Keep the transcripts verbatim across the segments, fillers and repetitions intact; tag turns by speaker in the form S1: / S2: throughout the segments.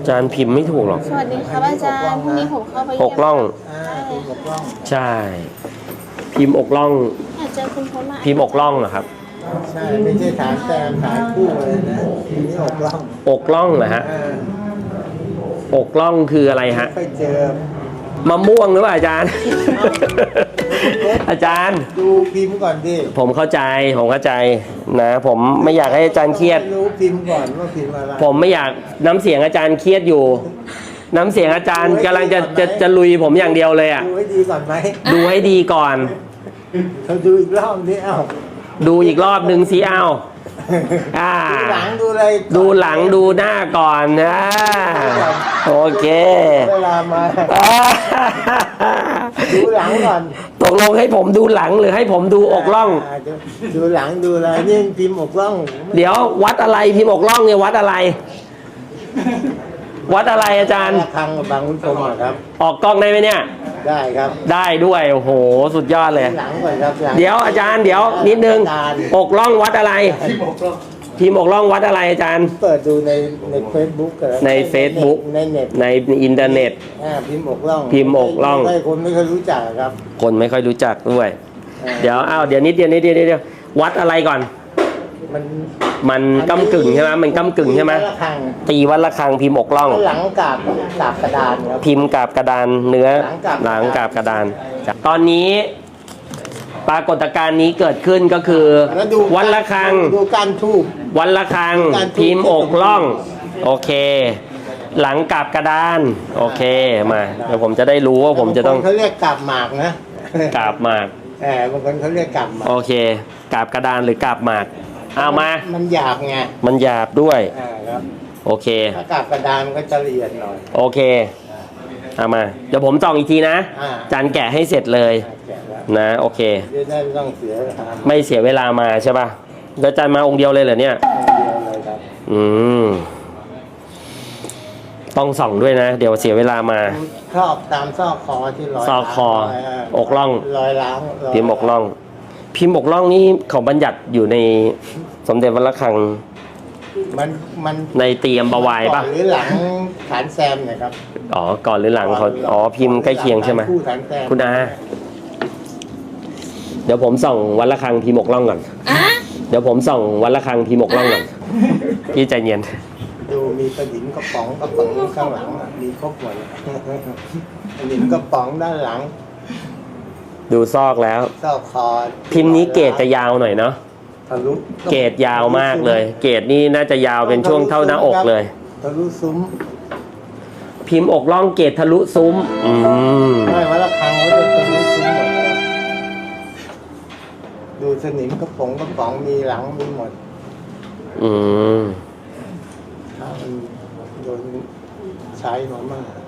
S1: จารย์พิมพ์ไม่ถูกหรอก
S2: สวัสดีครับอาจารย์พรุ่งนี้ผมเข้าไปเยี่ยม
S1: อกล่องใช่พิมพ์อกล่อง
S2: อยากเจอคุณพจน์มา
S1: พิมพ์อกล่องเหรอครับ
S3: ใช่ไม่ใช่ฐานแซมฐานคู่เลยนะทีนี้อกล่อง
S1: อกล่องเหรอฮะอกล่องคืออะไรฮะ
S3: ไปเจอ
S1: มะม่วงหรือเปล่าอาจารย์ อาจารย์
S3: ดูพิมพ์ก่อนดิ
S1: ผมเข้าใจผมเข้าใจนะผมไม่อยากให้อาจารย์เครียด
S3: รู้พิมพ์ก่อนว่าพิมพ์อะไร
S1: ผมไม่อยากน้ำเสียงอาจารย์เครียดอยู่น้ำเสียงอาจารย์กำลังจะจะจะลุยผมอย่างเดียวเลยอ่ะ
S3: ดูให้ดีก่อนไหม
S1: ดูให้ดีก่อน
S3: เราดูอีกรอบนี้เอ้า
S1: ดูอีกรอบหนึ่งสิเอ้าอ่า
S3: ดูหลังดูอะไร
S1: ดูหลังดูหน้าก่อนนะโอเค
S3: เวลามาดูหลังก่อน
S1: ตกลงให้ผมดูหลังหรือให้ผมดูอกล่อง
S3: ดูหลังดูอะไรนี่พิมพ์อกล่อง
S1: เดี๋ยววัดอะไรพิมพ์อกล่องเนี่ยวัดอะไรวัดอะไรอาจารย์
S3: ทางบางขุนพรหมครับ
S1: ออกกล้องได้ไหมเนี่ย
S3: ได้ครับ
S1: ได้ด้วยโอ้โหสุดยอดเลย
S3: หลังก่อนครับ
S1: เดี๋ยวอาจารย์เดี๋ยวนิดนึงอกล่องวัดอะไรพิมพ์อกล่องวัดอะไรอาจารย์
S3: เปิดดูในในเฟซบุ๊ก
S1: ในเฟซบุ๊ก
S3: ในเน็ต
S1: ในอินเทอร์เน็ต
S3: พิมพ์อกล่อง
S1: พิมพ์อกล่อง
S3: คนไม่ค่อยรู้จักครับ
S1: คนไม่ค่อยรู้จักด้วยเดี๋ยวอ้าวเดี๋ยวนิดเดียวนิดเดียวนิดเดียววัดอะไรก่อน
S3: มัน
S1: มันก้ำกึ่งใช่ไหมมันก้ำกึ่งใช่ไหมตีวัดระฆังพิมพ์อกล่อง
S3: หลังกาบกาบกระดานครับ
S1: พิมพ์กาบกระดานเนื้อหลังกาบกระดานตอนนี้ปรากฏการณ์นี้เกิดขึ้นก็คือวัดระฆัง
S3: ดูการทูบ
S1: วัดระฆังพิมพ์อกล่องโอเคหลังกาบกระดานโอเคมาเดี๋ยวผมจะได้รู้ว่าผมจะต้อง
S3: เขาเรียกกาบหมากนะ
S1: กาบหมาก
S3: แหมบางคนเขาเรียกกาบหมาก
S1: โอเคกาบกระดานหรือกาบหมากเอามา
S3: มันหยาบไง
S1: มันหยาบด้วย
S3: ครับ
S1: โอเค
S3: ถ้ากาบกระดานมันก็จะละเอียดหน่อย
S1: โอเคเอามาเดี๋ยวผมจองอีกทีนะจานแกะให้เสร็จเลยนะโอเค
S3: ไม่ต้องเสีย
S1: ไม่เสียเวลามาใช่ป่ะแล้วจานมาองค์เดียวเลยเหรอเนี่ยอืมต้องส่องด้วยนะเดี๋ยวเสียเวลามา
S3: ชอบตามซอกคอที่รอย
S1: ซอกคออกล่อง
S3: รอยล้าง
S1: พิมพ์อกล่องพิมพ์อกล่องนี่เขาบัญญัติอยู่ในสมเด็จวัดระฆัง
S3: มันมัน
S1: ในเตรียมบวายป่ะ
S3: หรือหลังฐานแซมเนี่ยครับ
S1: อ๋อก่อนหรือหลังเขาอ๋อพิมพ์ใกล้เคียงใช่ไหมคุณอาเดี๋ยวผมส่องวัดระฆังพิมพ์อกล่องก่อนเดี๋ยวผมส่องวัดระฆังพิมพ์อกล่องก่อนพี่ใจเย็น
S3: ดูมีกระดิ่งกระป๋องกระป๋องข้างหลังมีครบหมดกระดิ่งกระป๋องด้านหลัง
S1: ดูซอกแล้ว
S3: ซอกคอ
S1: พิมพ์นี้เกรดจะยาวหน่อยเนาะ
S3: ทะลุ
S1: เกรดยาวมากเลยเกรดนี่น่าจะยาวเป็นช่วงเท่าหน้าอกเลย
S3: ทะลุซุ้ม
S1: พิมพ์อกล่องเกรดทะลุซุ้มอืม
S3: ไม่ว่าระฆังเขาจะทะลุซุ้มหมดดูสนิมกระป๋องกระป๋องมีหลังมีหมด
S1: อืม
S3: ถ้ามันโดนใช้มามาก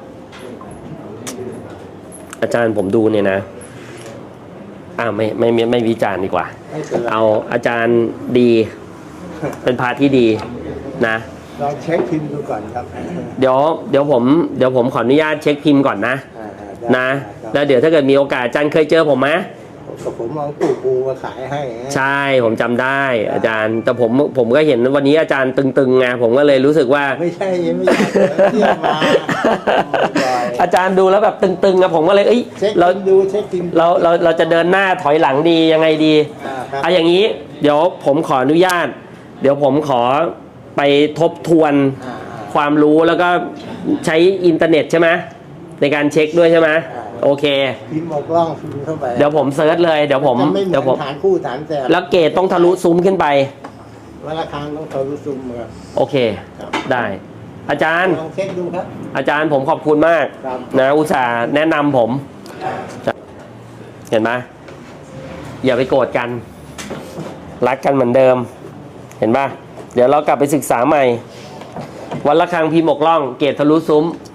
S1: อาจารย์ผมดูเนี่ยนะอ่าไม่ไม่ไม่ไม่วิจารณ์ดีกว่าเอาอาจารย์ดีเป็นพาที่ดีนะ
S3: ลองเช็คพิมพ์ดูก่อนครับ
S1: เดี๋ยวเดี๋ยวผมเดี๋ยวผมขออนุญาตเช็คพิมพ์ก่อนนะนะแล้วเดี๋ยวถ้าเกิดมีโอกาสอาจารย์เคยเจอผมไหม
S3: กับผมมองปู่ปูมาขายให้
S1: ใช่ผมจำได้อาจารย์แต่ผมผมก็เห็นวันนี้อาจารย์ตึงๆไงผมก็เลยรู้สึกว่า
S3: ไม่ใช่ไม่ใช่เที่ยวมา
S1: อาจารย์ดูแล้วแบบตึงๆอะผมก็เลยเอ้ย
S3: เราดูเช็คพิมพ์
S1: เราเราเราจะเดินหน้าถอยหลังดียังไงดีอ่ะอย่างนี้เดี๋ยวผมขออนุญาตเดี๋ยวผมขอไปทบทวนความรู้แล้วก็ใช้อินเทอร์เน็ตใช่ไหมในการเช็คด้วยใช่ไหมโอเค
S3: พิมพ์อกล่องพิมพ์เข้าไป
S1: เดี๋ยวผมเซิร์ชเลยเดี๋ยวผม
S3: เดี๋ยวผมฐานคู่ฐานแซม
S1: แล้วเกรดต้องทะลุซุ้มขึ้นไป
S3: วัดระฆังต้องทะลุซุ้มครับ
S1: โอเคได้อาจารย์
S3: ลองเช็คดูครับ
S1: อาจารย์ผมขอบคุณมากนะอุตส่าห์แนะนำผมเห็นไหมอย่าไปโกรธกันรักกันเหมือนเดิมเห็นป่ะเดี๋ยวเรากลับไปศึกษาใหม่วัดระฆังพิมพ์อกล่องเกรดทะลุซุ้ม